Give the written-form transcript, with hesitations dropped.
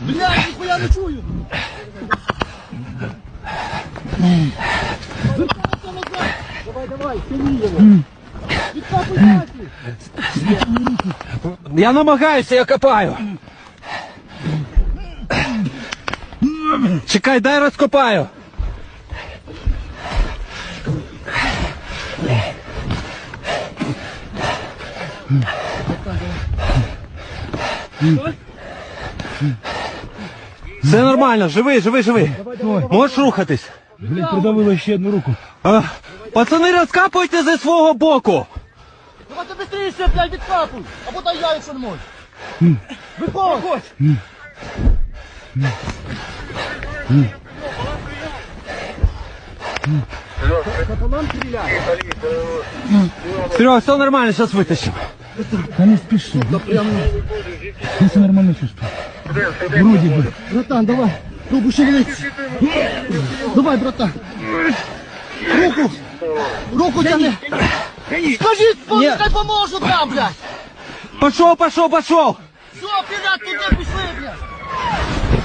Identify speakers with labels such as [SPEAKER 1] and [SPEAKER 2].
[SPEAKER 1] Блядь, нихуя не чую! Давай, тяни его! Відкапуй нахуй!
[SPEAKER 2] Я намагаюся, я копаю. Чекай, дай розкопаю. Все нормально, живий, живий, живий. Можеш рухатись.
[SPEAKER 3] Блін, придавило ще одну руку.
[SPEAKER 2] Пацани, розкапуйте зі свого боку.
[SPEAKER 1] Давай ти быстріше, блядь, відкапуй! Або дай я, якщо не можеш! Виходь!
[SPEAKER 2] Серега, все нормально, зараз витащимо.
[SPEAKER 3] Та не спіши. Я все нормально чувствую. Вроді би.
[SPEAKER 1] Братан, давай! Руку шевелись! Давай, братан! Руку! Руку тяни! Скажи, хай поможу там, блядь!
[SPEAKER 2] Пошов, пошов, пошов.
[SPEAKER 1] Все, блядь, туди пішли, блядь!